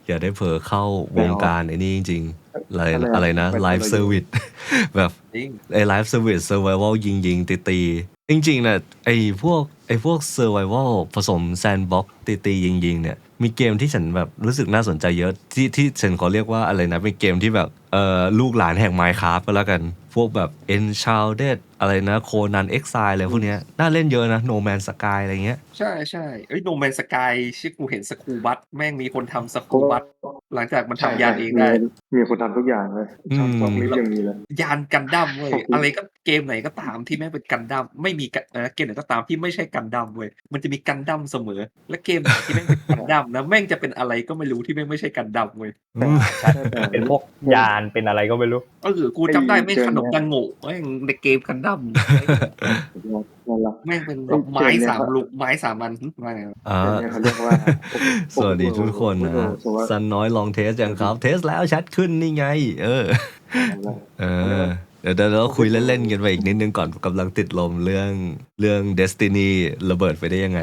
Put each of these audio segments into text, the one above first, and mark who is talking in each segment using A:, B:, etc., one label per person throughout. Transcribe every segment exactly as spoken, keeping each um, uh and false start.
A: อย่าได้เผลอเข้าวงการไอ้นี่จริงๆอะไร
B: อะไร
A: อะไรนะ
B: เป็น
A: ไลฟ์เซอร์วิส แบบ
C: จริง
A: ไอ้ไลฟ์เซอร์วิสเซอร์ไววัลยิงยิงตีตีจริงๆนะไอ้พวกไอ้พวกเซอร์ไววัลผสมแซนด์บ็อกตีตียิงยิงเนี่ยมีเกมที่ฉันแบบรู้สึกน่าสนใจเยอะที่ที่ฉันขอเรียกว่าอะไรนะเป็นเกมที่แบบเอ่อลูกหลานแห่ง Minecraft ก็แล้วกันพวกแบบ Enshrouded อะไรนะโคนันเอ็กไซอะไรพวกเนี้ยน่าเล่นเยอะนะ No Man's Sky อะไรเงี้ย
C: ใช่ใช่เอ้ยโนแมนสกายชื่อกูเห็นสกูบัตแม่งมีคนทำส
B: เพ
C: กู
B: ราะว่า
C: บัตหลังจากมัน
B: ใช่
C: ทำยาน
B: ใช่
C: เอง
B: มี
C: ได้
B: มีคนทำทุกอย่างเลยช่อง
A: อืม
B: ช่องลิฟต์ยังมีเลย
C: ยานกันดั้มเว้ย
B: โอเค
C: อะไรก็เกมไหนก็ตามที่แม่งเป็นกันดั้มไม่มีกันเอ่อเกมไหนก็ตามที่ไม่ใช่กันดั้มเว้ยมันจะมีกันดั้มเสมอ และเกมไหนที่แม่งเป็นกันดั้มนะแม่งจะเป็นอะไรก็ไม่รู้ที่แม่งไม่ใช่กันดั้มเว้ย
A: อืม
D: ใช่เป็นพวกยานเป็นอะไรก็ไม่รู้
C: เออกูจำได้แม่งขนมดังโง่แม่งในเกมกันดั้ม
B: นั่นแหละ
C: แม่งเป็นแบบไม้สามลูกไม้สามอันว่าไงวะ
A: อ่า
B: เกมเนี่ยเขาเรียกว่า
A: สวัสดีทุกคนนะฮะ
B: สวัสดี
A: ซันน้อยลองเทสยังครับ เทสแล้วชัดขึ้นนี่ไง เออ เออ เดี๋ยวเดี๋ยวเราคุยเล่นๆกันไปอีกนิดนึงก่อนกำลังติดลมเรื่องเรื่อง Destiny ระเบิดไปได้ยังไง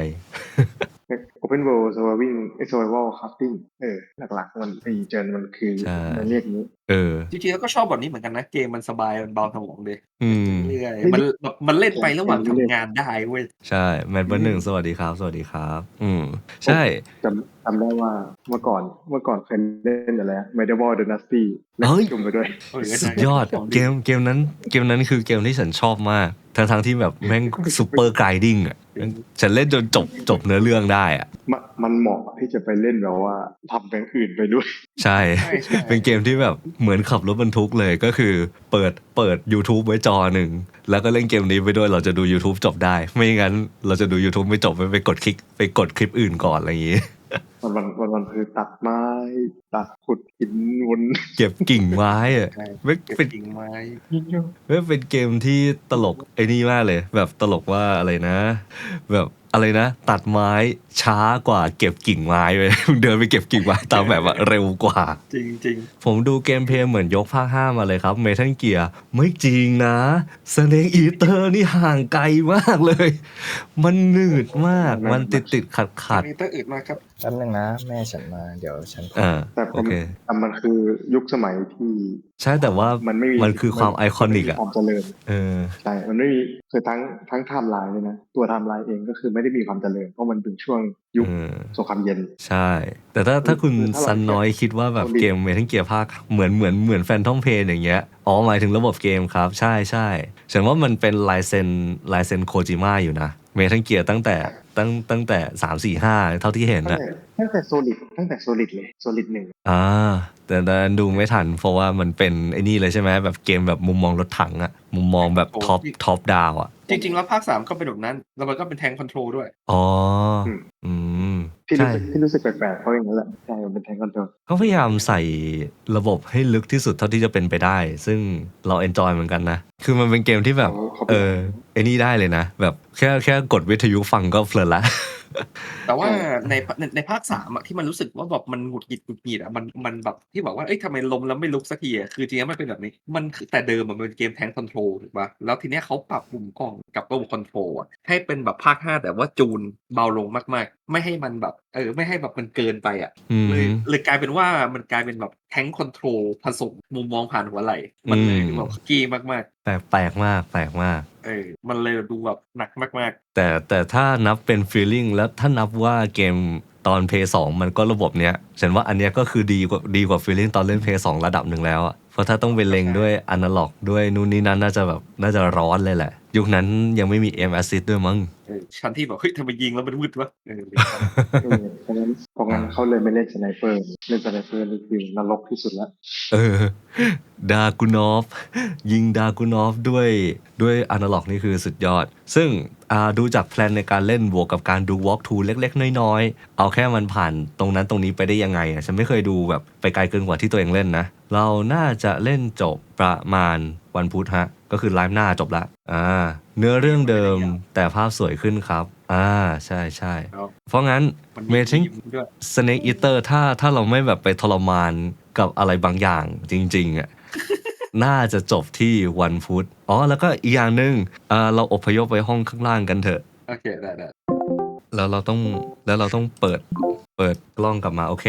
B: Open World Surviving Survival Crafting เออหลักๆมันไอ้เจนมันคือ
A: ใช่
B: มันเรียกนี้
A: เออ
C: จริงๆแล้วก็ชอบแบบนี้เหมือนกันนะเกมมันสบายมันเบาสมองดี
A: อืม
C: เรื่อยๆมันแบบมันเล่นไประหว่างทำงานได้เว้ย
A: ใช่แมนเบอร์หนึ่งสวัสดีครับ สวัสดีครับ อืม ใช่
B: จำจำได้ว่าเมื่อก่อนเมื่อก่อนเคยเล่นอะไร Medieval Dynasty เล่น
A: เฮ้ย
B: จุ่มไปด้วย
C: เออ
A: สุดยอดเกมเกมนั้นเกมนั้นคือเกมที่ฉันชอบมาก ทั้งทั้งที่แบบแม่งซูเปอร์ไกดิ้งอ่ะฉันเล่นจนจบจบเนื้อเรื่องได้อ่ะ
B: มันมันเหมาะที่จะไปเล่นแบบว่าทำอย่างอื่นไปด้วย
A: ใช่
C: ใช่ใช่
A: เป็นเกมที่แบบเหมือนขับรถบรรทุกเลยก็คือเปิดเปิด YouTube ไว้จอหนึ่ง แล้วก็เล่นเกมนี้ไปด้วยเราจะดู YouTube จบได้ ไม่งั้นเราจะดู YouTube ไม่จบไปไปกดคลิกไปกดคลิปอื่นก่อนอะไรอย่างงี้
B: มันมันมันมันคือตัดไม้ตัดขุดหินวน
A: เก็บกิ่งไม้อะ
C: ใช่
A: ไม่
C: เก็บ
A: เป็น
C: กิ่งไม้
A: ไม่เป็นเกมที่ตลกไอ้นี่มากเลย แบบตลกว่าอะไรนะ แบบอะไรนะ ตัดไม้ช้ากว่าเก็บกิ่งไม้ไป เดินไปเก็บกิ่งไม้ตามแบบว่าเร็วกว่า
C: จริงจริง
A: ผมดูเกมเพลย์เหมือนยกภาคห้ามาเลยครับเมทัลเกียร์ไม่จริงนะสเนกอีเตอร์นี่ห่างไกลมากเลย มันหนืดมาก มันติดติดขัดขัด
C: มีเตอร์อื่นมาครับ
D: แป๊บนึงนะแม่ฉันมาเดี๋ยวฉันขอ
A: อ่า
B: แต่ผ
A: โอ
B: ม
A: เค
B: แต่มันคือยุคสมัยที่
A: ใช่แต่ว่า
B: มันไม่มี
A: มันคือความไอคอนิก
B: มั
A: อ่ะ
B: ไม่มีความเจริญ
A: เออ
B: ใช่ มันไม่มีคือทั้งทั้งไทม์ไลน์เลยนะ ตัวไทม์ไลน์เองก็คือไม่ได้มีความเจริญ เพราะมันเป็นช่วงยุค
A: เออ
B: สงครามเย็น
A: ใช่ แต่ถ้าถ้าคุณ
B: คือถ้าเรา
A: ซันน้อยคิดว่าแบบ
B: เราดี
A: เกมเมทัลเกียร์ภาคเหมือนเหมือนเหมือนแฟนทอมเพนอย่างเงี้ยอ๋อหมายถึงระบบเกมครับ ใช่ใช่ฉันว่ามันเป็นลายเซ็นลายเซ็นโคจิมะอยู่นะเมทัลเกียร์ตั้งแต่ตั้งตั้งแต่สามสี่ห้าเท่าที่เห็น
B: ตั้ง
A: นะ
B: แต่ตั้งแต่โซลิดตั้งแต่โซลิดเลยโซลิดหนึ่ง
A: อ่าแต่ดันดูไม่ทันเพราะว่ามันเป็นไอ้นี่เลยใช่ไหมแบบเกมแบบมุมมองรถถังอะมุมมองแบบท็อปท็อปดาวอะ
C: จริง ๆ แล้วภาคสามก็เป็นแบบนั้น แล้วมันก็เป็นแทงคอนโทรลด้วย
A: อ๋อ
B: อืม
A: อืม
B: ที่รู้
A: ใช่
B: สึกที่รู้สึกแปลกๆเพราะอย่างนั้นแหละใช่มันเป็นแทงคอนโทรล
A: เขาพยายามใส่ระบบให้ลึกที่สุดเท่าที่จะเป็นไปได้ ซึ่งเราเอนจอยเหมือนกันนะ คือมันเป็นเกมที่แบบ
B: เขาเขา
A: เออไอ้นี่ได้เลยนะ แบบแค่แค่กดวิทยุฟังก็เพลินละ
C: แต่ว่าในในในภาคสามอะที่มันรู้สึกว่าแบบมันหงุดหงิดหงุดหงิดอะมันมันแบบที่บอกว่าเอ้ยทำไมลมแล้วไม่ลุกสักทีอะคือจริงๆมันเป็นแบบนี้ มันคือแต่เดิมอะมันเป็นเกมแทงคอนโทรลถูกป่ะแล้วทีเนี้ยเขาปรับมุมกล้องกับระบบคอนโทรลอะให้เป็นแบบภาคห้าแต่ว่าจูนเบาลงมากๆ ไม่ให้มันแบบเออไม่ให้แบบมันเกินไปอะ
A: อืม
C: เลยเลยกลายเป็นว่ามันกลายเป็นแบบแทงคอนโทรลผสมมุมมองผ่านหัวไหล่มันเลย
A: อืม
C: ดูแบบกี้มาก
A: แปลกแปลกมากแปลกมาก
C: ๆเออมันเลยดูแบบหนักมาก
A: แต่แต่ถ้านับเป็น feeling แล้วถ้านับว่าเกมตอน Play สองมันก็ระบบเนี้ย ฉันว่าอันเนี้ยก็คือดีกว่าดีกว่า feeling ตอนเล่น Play สองระดับหนึ่งแล้วอะเพราะถ้าต้องไปเล็งด้วยอนาล็อกด้วยนู่นนี่นั่นน่าจะแบบน่าจะร้อนเลยแหละ ยุคนั้นยังไม่มี aim assist ด้วยมั้ง
C: ๆเออชั้นที่แบบเฮ้ยทำไมยิงแล้วมันวืดวะเออ
B: เออเพราะงั้นเพราะงั้นเขาเลยไม่เล่นสไนเปอร์เล่นสไนเปอร์นี่คือนรกที่สุดแล้ว
A: เออดากูนอฟยิงดากูนอฟด้วยด้วยอนาล็อกนี่คือสุดยอด ซึ่งอ่าดูจากแพลนในการเล่นบวกกับการดู walk through เล็กๆ น้อยๆ เอาแค่มันผ่านตรงนั้นตรงนี้ไปได้ยังไงอ่ะฉันไม่เคยดูแบบไปไกลเกินกว่าที่ตัวเองเล่นนะ เราน่าจะเล่นจบประมาณวันพุธฮะ ก็คือไลฟ์หน้าจบละอ่าเนื้อเรื่องเดิมแต่ภาพสวยขึ้นครับ อ่าใช่ใช่
C: แล้ว
A: เพราะงั้น
C: มัน
A: เม
C: มี
A: ทัล
C: มีมด้วย
A: Snake Eater ถ้าถ้าเราไม่แบบไปทรมานกับอะไรบางอย่างจริงๆอ่ะ น่าจะจบที่วันพุธอ๋อแล้วก็อีกอย่างหนึ่งอ่าเราอพยพไปห้องข้างล่างกันเถอะ
C: โอเคได้ได้
A: แล้วเราต้องแล้วเราต้องเปิดเปิดกล้องกลับมาโอเค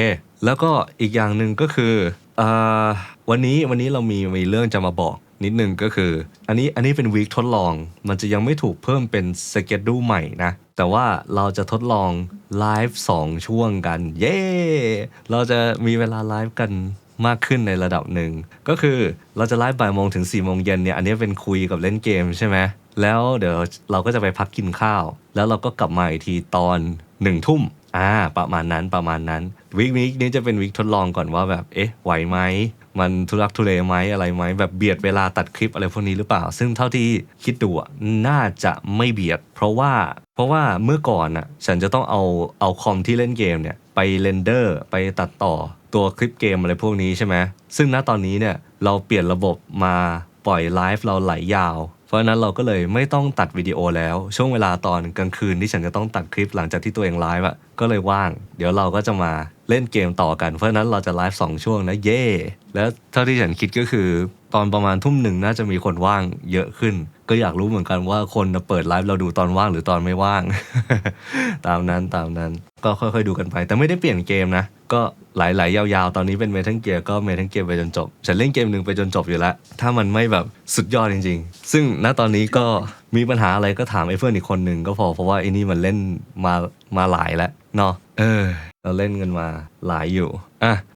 A: แล้วก็อีกอย่างหนึ่งก็คืออ่าวันนี้วันนี้เรามีมีเรื่องจะมาบอกนิดนึงก็คืออันนี้อันนี้เป็นวีคทดลองมันจะยังไม่ถูกเพิ่มเป็นสเกจดูใหม่นะแต่ว่าเราจะทดลองไลฟ์สองช่วงกันเย้เราจะมีเวลาไลฟ์กันมากขึ้นในระดับหนึ่งก็คือเราจะไลฟ์บ่ายโมงถึงสี่โมงเย็นเนี่ยอันนี้เป็นคุยกับเล่นเกมใช่ไหมแล้วเดี๋ยวเราก็จะไปพักกินข้าวแล้วเราก็กลับมาอีกทีตอนหนึ่งทุ่มอ่าประมาณนั้นประมาณนั้นวีคนี้นี้จะเป็นวีคทดลองก่อนว่าแบบเอ๊ะไหวไหมมันทุรักทุเลไหมอะไรไหมแบบเบียดเวลาตัดคลิปอะไรพวกนี้หรือเปล่าซึ่งเท่าที่คิดดูอ่ะน่าจะไม่เบียดเพราะว่าเพราะว่าเมื่อก่อนอ่ะฉันจะต้องเอาเอาคอมที่เล่นเกมเนี่ยไปเรนเดอร์ไปตัดต่อตัวคลิปเกมอะไรพวกนี้ใช่ไหมซึ่งณตอนนี้เนี่ยเราเปลี่ยนระบบมาปล่อยไลฟ์เราไหลยาวเพราะฉะนั้นเราก็เลยไม่ต้องตัดวิดีโอแล้วช่วงเวลาตอนกลางคืนที่ฉันจะต้องตัดคลิปหลังจากที่ตัวเองไลฟ์อะก็เลยว่างเดี๋ยวเราก็จะมาเล่นเกมต่อกันเพราะฉะนั้นเราจะไลฟ์สองช่วงนะเย่แล้วเท่าที่ฉันคิดก็คือตอนประมาณทุ่มหนึ่งน่าจะมีคนว่างเยอะขึ้นก็อยากรู้เหมือนกันว่าคนเปิดไลฟ์เราดูตอนว่างหรือตอนไม่ว่าง ตามนั้นตามนั้นก็ค่อยๆดูกันไปแต่ไม่ได้เปลี่ยนเกมนะก็ไหลๆยาวๆตอนนี้เป็นเมทัลเกียร์ก็เมทัลเกียร์ไปจนจบฉันเล่นเกมหนึ่งไปจนจบอยู่แล้วถ้ามันไม่แบบสุดยอดจริงๆซึ่งณตอนนี้ก็มีปัญหาอะไรก็ถามไอ้เพื่อนอีกคนหนึ่งก็พอเพราะว่าไอ้นี่มันเล่นมามาหลายแล้วเนาะเออเราเล่นกันมาหลายอยู่อ่ะ